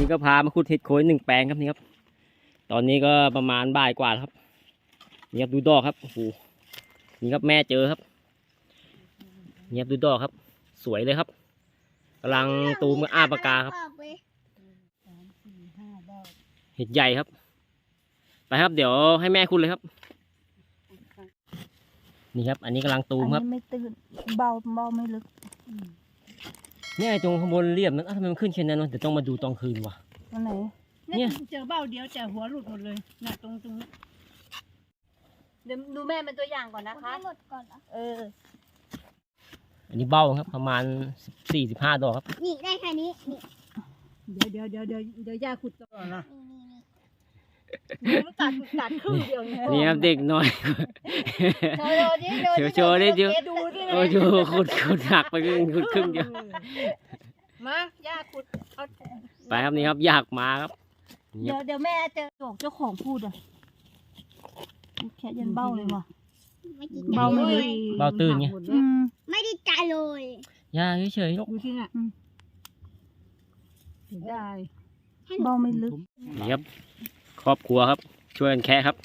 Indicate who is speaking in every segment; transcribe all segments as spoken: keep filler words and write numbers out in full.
Speaker 1: นี้ก็พามาขุดเห็ดโคนหนึ่งแปลงครับนี่ครับตอนนี้ก็ประมาณบ่ายกว่าแล้วครับนี่ครับดูดอกครับโอ้โหนี่ครับแม่เจอครับนี่ครับดูดอกครับสวยเลยครับกำลังตูมกับอ้าปากกาครับเห็ดใหญ่ครับไปครับเดี๋ยวให้แม่ขุดเลยครับนี่ครับอันนี้กำลังตูมครับ
Speaker 2: ไม่ตื่นเบาเบาไม่ลึก
Speaker 1: เนี่ยตรงข้างบนเรียบนั้นทำไมมันขึ้นแค่นั้นวะเดี๋ยวต้องมาดูตอนคืนว่ะ
Speaker 2: อันไหน
Speaker 3: เนี่ยเจอเบ้าเดียวแต่หัวหลุดหมดเลยน่ะตรงตรงนี้
Speaker 2: เดี๋ยวดูแม่เป็นตัวอย่างก่อนนะคะ
Speaker 3: หมดก่อน
Speaker 2: เออ
Speaker 1: อันนี้เบ้าครับประมาณสี่สิบห้าดอกครับ
Speaker 3: นี่ได้แค่นี้นี่เดี๋ยวเดี๋ยวเดี๋ยวเดี๋ยวเดี๋ยวย่าขุดก่อนนะนี่นี่ตัดตัดครึ่งเดียว
Speaker 1: นี่ครับเด็กน้อย
Speaker 3: โชว์ดิ
Speaker 1: เดี๋ยวโชว์ดิเดี๋ยวโอ้โหขุดขุดหักไปครึ่งขุดครึ่งเดียว
Speaker 3: มาย่าขุดเอา
Speaker 1: ไปครับนี่ครับอยากมาครับ
Speaker 2: เดี๋ยวเดี๋ยวแม่เจอเจ้าของพูดอ่ะแค่ยันเบ้าเลยว่ะ
Speaker 3: เบ้าไม่เลย
Speaker 1: เบ้าตื่นไง
Speaker 3: ไม่ได้ใจเลย
Speaker 1: ย่าเฉยๆ
Speaker 3: ดูที่น่ะได้
Speaker 2: เบ้าไม่ลึก
Speaker 1: นี่ครับครอบครัวครับช่วยกันแค่ครับ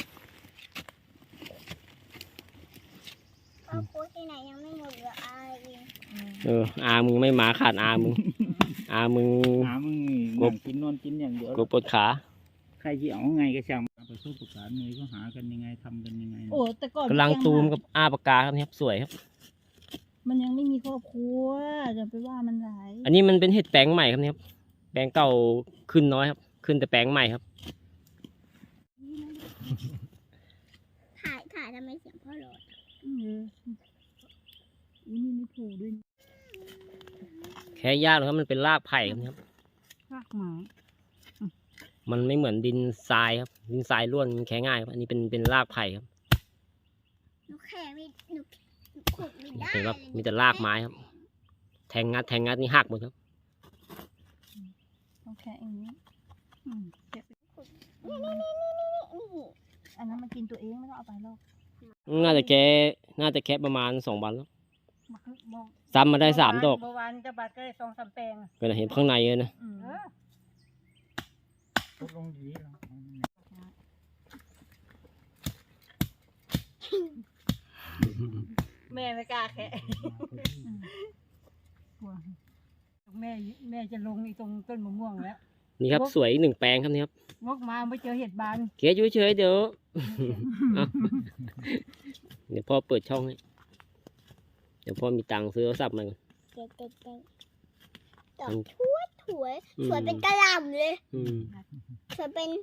Speaker 3: ครอบครัวที่ไหนยังไม่หมดเหลืออาเอง
Speaker 1: เอออามึงไม่มาขาดอามึงอามึง
Speaker 4: อามึงกบกินนอนกินอย่างเดียว
Speaker 1: กบปวดขา
Speaker 4: ใครจะเอาไงก็ช่างประสบการณ์เลยก็หากันยังไงทำกันยังไง
Speaker 2: โอ้แต่ก่อน
Speaker 1: กำลังตูมกับอาปากกาครับนี่ครับสวยครับ
Speaker 2: มันยังไม่มีครอบครัวจะไปว่ามันหลาย
Speaker 1: อันนี้มันเป็นเห็ดแปลงใหม่ครับนี่ครับแปลงเก่าขึ้นน้อยครับขึ้นแต่แปลงใหม่ครับ
Speaker 3: ถ่ายถ่ายทำไมเสียงพ่อโหลด
Speaker 2: เออนี่ไม่ถูกด้วย
Speaker 1: แค่ยากเลยครับมันเป็นรากไผ่ครับ
Speaker 2: รากไม้
Speaker 1: มันไม่เหมือนดินทรายครับดินทรายร่วนมันแค่ง่ายครับอันนี้เป็นเป็นรากไผ่ครับ
Speaker 3: หนูแค่ไม่หนูขุดไม่ได้
Speaker 1: เห็นครับมีแต่รากไม้ครับแทงงัดแทงงัดนี่หักหมดครับ
Speaker 2: ต้องแค่อย่างนี้
Speaker 3: นี่นี่นี่นี่นี่นี่
Speaker 2: อันนั้นมันกินตัวเองไม่ต้องเอาไปหรอก
Speaker 1: น่าจะแค่น่าจะแค่ประมาณสองวันแล้วซ้ำมาได้สามดอก
Speaker 3: เมื่อวานจะบาดก็ได้สองสามแปลง
Speaker 1: ก็เห็นข้างในเลยนะ
Speaker 4: ลงดี
Speaker 3: แม่ไม่กล้าแค่แม่แม่จะลงอีตรงต้นมะม่วงแล้ว
Speaker 1: นี่ครับสวยหนึ่งแปลงครับนี่ครับ
Speaker 3: งกมาไม่เจอเห็ดบาน
Speaker 1: เกยเฉยๆเดี๋ยวเดี๋ยวพ่อเปิดช่องให้เดี๋ยวพ่อมีตังค์ซื้อโทรศัพท์มาก่อน
Speaker 3: ดอกถวยถวยสวยเป็นกระหล่ำเลยสวยเป็น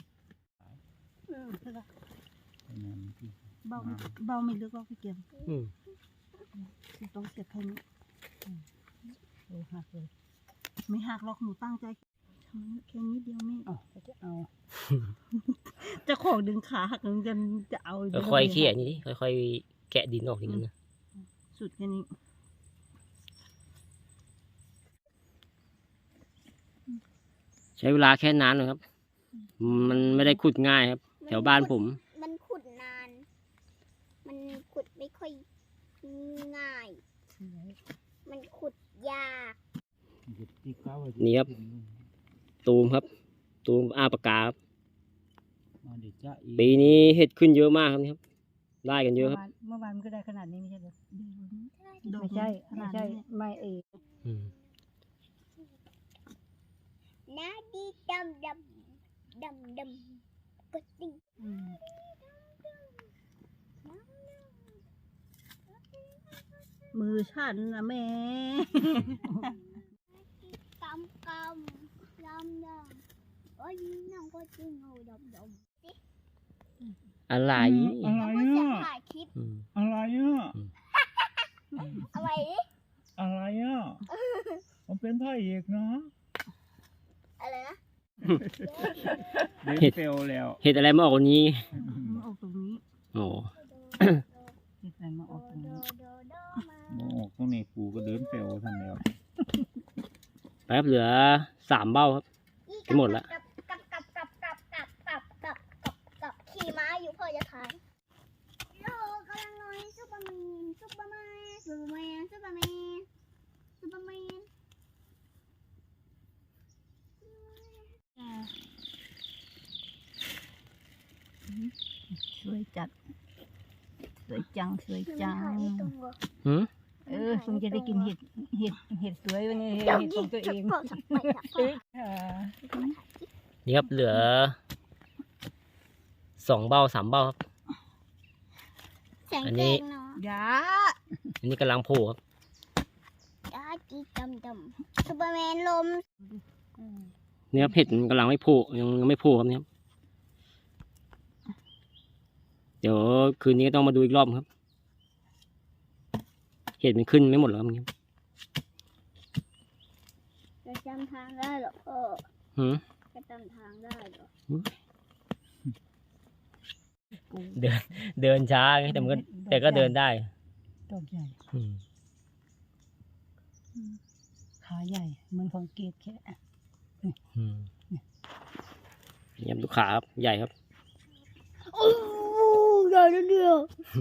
Speaker 2: เบาเบาไม่ลึกก็พี่เกียมต้องเสียบแค่นี้โอ้หักเลยไม่หักหรอกหนูตั้งใจทำแค่นี้เดียวไม่
Speaker 3: เอาจะเอา
Speaker 2: จะของดึงขาหักนึงจะจะเอา
Speaker 1: ค่อยๆเขี่ยนี่ดิค่อยๆแกะดินออกอย่างนั้นนะ
Speaker 2: สุดแค่นี้
Speaker 1: ใช้เวลาแค่นานนะครับมันไม่ได้ขุดง่ายครับแถวบ้านผม
Speaker 3: มันขุดนานมันขุดไม่ค่อยง่ายมันขุดยาก
Speaker 1: นี่ครับตูมครับตูมอาปากกาครับปีนี้เห็ดขึ้นเยอะมากครับนี่ครับได้กันเยอะครับ
Speaker 3: เมื่อวานมันก็ได้ขนาดนี้ไม่ใช่หรอไม่ใช่ไม่ใช่ไม่เองน้าดีดำดำดำดำก็ติ
Speaker 2: มือฉันนะแม่
Speaker 3: กำกำดำดำโอ้ยน้องก็จริงเอาดำดำ
Speaker 1: อะไร
Speaker 4: อะไรอ่ะอะไรอ่ะ
Speaker 3: อะไร
Speaker 4: อะไรอ่ะมันเป็นพระเอกนะ
Speaker 3: อะไรนะ
Speaker 1: เห็ด
Speaker 4: เฟลแล้ว
Speaker 1: เห็ดอะไรมาออกตรงนี้
Speaker 2: มาออกตรงนี้
Speaker 1: โอ้
Speaker 2: เห็ดอะไรมาออกตรงนี้
Speaker 4: มาออกตรงนี้ปูก็เดินเฟลทันแล้ว
Speaker 1: แป๊บเหลือสามเบ้าครับจะหมดแล้ว
Speaker 3: กับกับกับกับกับกับกับกับกับขี่ม้าอยู่เพื่อจะทานโลกำลังน้อยซุปเปอร์แมนซุปเปอร์แมนซุปเปอร์แมนซุปเปอร์แมนซุปเปอร์แมน
Speaker 2: สวยจัดสวยจังสวยจัง
Speaker 1: หืม
Speaker 2: เออคงจะได้กินเห็ดเห็ดเห็ดสวยวันนี้เห็ดของตัวเองเออ
Speaker 1: นี่ครับเหลือสองเบ้าสามเบ้าครับ
Speaker 3: แสง
Speaker 1: อัน
Speaker 3: แด
Speaker 1: นี้
Speaker 3: งเนาะ
Speaker 2: ยา
Speaker 1: อันนี้กำลังโผล่ครับ
Speaker 3: ยาจีดำดำซูเปอร์แมนลม
Speaker 1: นี่ครับเห็ดมันกำลังไม่โผล่ยังยังไม่โผล่ครับเนี่ยครับเดี๋ยวคืนนี้ก็ต้องมาดูอีกรอบครับ เห็ดมันขึ้นไม่หมดแล้วครับเนี่ย
Speaker 3: จะจำทางได้เหรอพ่อ
Speaker 1: หืม
Speaker 3: จะจำทางได้เหรอ
Speaker 1: เดินเดินช้าไงแต่มันก็แต่ก็เดินได้
Speaker 2: ดอกใหญ่
Speaker 1: อืม
Speaker 2: ขาใหญ่เหมือนของเกดแค่
Speaker 1: อืมนี่ครับลูกขาครับใหญ่ครับ
Speaker 3: โอ้ใหญ่เดียว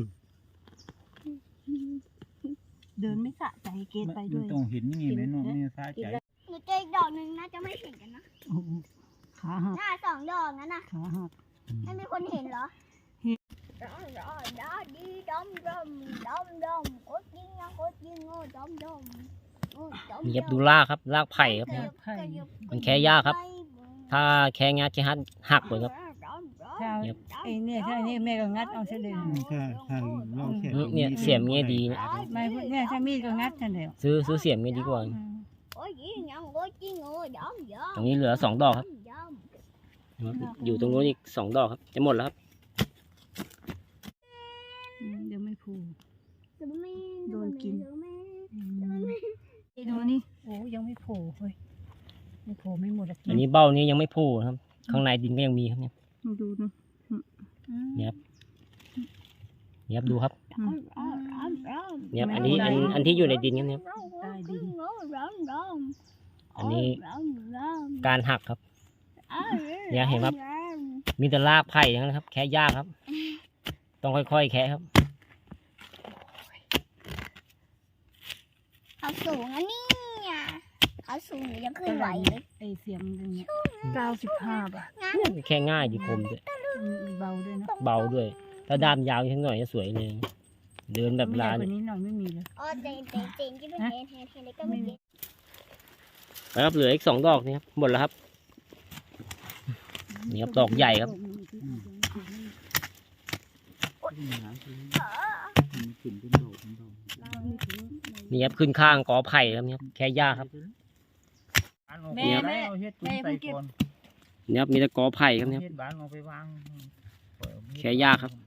Speaker 2: เดินไม่สะใจเกดไปด้วย
Speaker 4: มันต้องเห็นนี่ไงแม่น้องไม่ซาใจ
Speaker 3: หนูเจออีกดอกหนึ่งนะจะไม่เห็นกันนะ
Speaker 2: โอ้โหขาหัก
Speaker 3: หน้าสองดอกนั้นนะ
Speaker 2: ขาหัก
Speaker 3: ไม่มีคนเห็นเหรอ
Speaker 2: เห็น
Speaker 3: ดอดอดอดีดอมดอมดอมดอมโคตรยิงนะโคตรยิงโอ้ดอมดอมโอ้ดอม
Speaker 1: นี่ครับดูรากครับรากไผ่ครับเนี่ย มันแค่ยากครับ ถ้าแค่งัดแค่หักหักเลยครับ
Speaker 2: ถ้าไอ้เนี่ยถ้าเนี่ยแม่ก็งัดเอาเสด็จ
Speaker 4: ถ้าถ้าเราแค่
Speaker 1: เนี่ยเสียมเงี้ยดีนะ
Speaker 2: ไม่เนี่ยถ้ามีดก็งัดทันเดียว
Speaker 1: ซื้อซื้อเสียมเงี้ยดีกว่า
Speaker 3: โอ้ยยิงยังโคตรยิงโอ้ดอมดอม
Speaker 1: ตรงนี้เหลือสองดอกครับ
Speaker 3: ดอม
Speaker 1: อยู่ตรงนู้นอีกสองดอกครับจะหมดแล้วครับ
Speaker 2: เดี๋ยวไม่พูด
Speaker 3: ซูเปอร์แมน
Speaker 2: โดนกิน
Speaker 3: ซูเปอร์แมน
Speaker 2: ไอ้ดูนี่โอ้ยังไม่โผล่เฮ้ยไม่โผล่ไม่หมดอะ
Speaker 1: อันนี้เบ้านี้ยังไม่โผล่ครับ ข้างในดินก็ยังมีครับเนี่ย
Speaker 2: มาดูนะ
Speaker 1: เนี่ยครับเนี่ยครับดูครับ
Speaker 3: ดอมดอมดอมดอม
Speaker 1: เนี่ยครับอันนี้อันอันที่อยู่ในดินครับเนี่ย
Speaker 2: ใต้ดิน
Speaker 1: อันนี้
Speaker 3: ดอมดอม
Speaker 1: การหักครับ เนี่ยเห็นครับ มีแต่รากไผ่ทั้งนั้นครับ แค่ยากครับ ต้องค่อยๆแค่ครับ
Speaker 3: เขาสูงอันนี้เขาสูงหนูยังขึ้นไหวเลย
Speaker 2: ไอ้เสียมตรงเนี้ยเก้าสิบห้าบาท
Speaker 1: แค่ง่ายดีคมด้วย
Speaker 2: เบาด้วยนะ
Speaker 1: เบาด้วย ถ้าด้ามยาวนิดหน่อยจะสวยเลย เดินแบบ
Speaker 2: ไม่ใหญ่
Speaker 1: ลาน
Speaker 2: กว่านี้หน่อยไม่มีเลย
Speaker 3: อ๋อเจนเจนเจนที่เป็นเฮนเฮนเฮนเล็กก็ไม่เจน
Speaker 1: แล้วครับเหลืออีกสองดอกนี่ครับหมดแล้วครับ นี่ครับดอกใหญ่ครับ
Speaker 4: ขึ้นเป็นดอกเป็นดอก
Speaker 1: นี่ครับขึ้นข้างกอไผ่ครับเนี่ยครับแค่ยากครับ
Speaker 2: แม่แม่
Speaker 4: เอาเฮ็ด
Speaker 2: แม่
Speaker 4: ใส่
Speaker 2: เพิ่งเก็บ
Speaker 4: ก่อน
Speaker 1: เนี่ยครับมีแต่กอไผ่ครับเนี่ย
Speaker 4: เฮ็ดบ้านเอาไปวาง
Speaker 1: แค่ยากครับ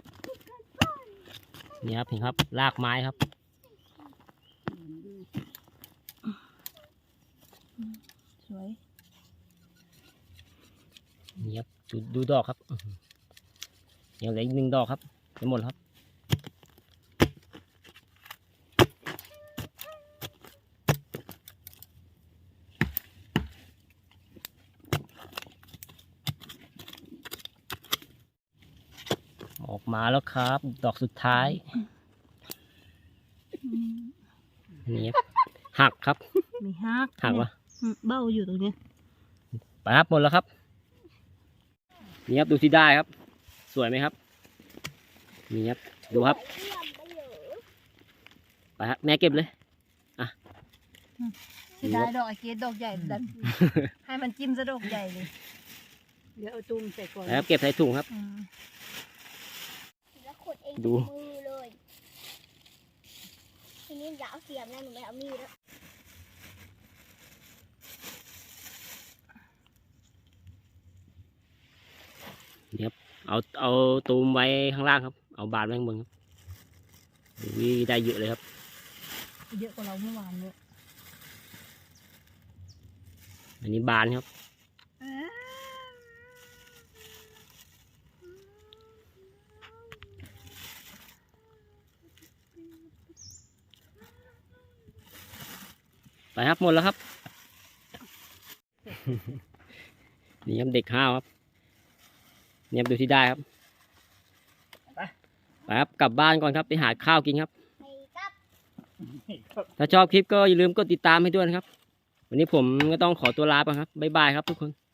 Speaker 1: นี่ครับเห็นครับรากไม้ครับ
Speaker 2: สวย
Speaker 1: นี่ครับดูดูดอกครับอื้อหือเดี๋ยวเหลืออีกหนึ่งดอกครับจะหมดแล้วครับออกมาแล้วครับ ดอกสุดท้ายนี่ครับหักครับ
Speaker 2: มีฮัก
Speaker 1: หักวะ
Speaker 2: อืมเบ้าอยู่ตรงเนี้ย
Speaker 1: ไปครับหมดแล้วครับนี่ครับดูที่ได้ครับ สวยไหมครับนี่ครับดูครับไปครับแม่เก็บเลยอ่ะ
Speaker 2: จะได้ดอกไอเกดดอกใหญ่ดัน ให้มันจิ้มซะดอกใหญ่เลยเดี๋ยวเอาตุ้มใส่ก่อน
Speaker 1: ไปครับเก็บใส่ถุงครับ
Speaker 2: อืม
Speaker 3: แล้วขุดเอง
Speaker 1: ดู
Speaker 3: กับมือเลยทีนี้อย่าเอาเสียมนะหนูไม่เอามีดแล้ว
Speaker 1: เอาเอาตูมไว้ข้างล่างครับ เอาบาดไว้ข้างบนครับนี่ได้เยอะเลยครับ
Speaker 2: เยอะกว่าเราเมื่อวานเนี่ย
Speaker 1: อันนี้บานครับไปครับหมดแล้วครับ นี่ครับเด็กห้าวครับเนี่ยดูที่ได้ครับไปครับกลับบ้านก่อนครับไปหาข้าวกินครับ
Speaker 3: ไปกับ
Speaker 1: ถ้าชอบคลิปก็อย่าลืมกดติดตามให้ด้วยนะครับ วันนี้ผมก็ต้องขอตัวลาไปครับบ๊ายบายครับทุกคน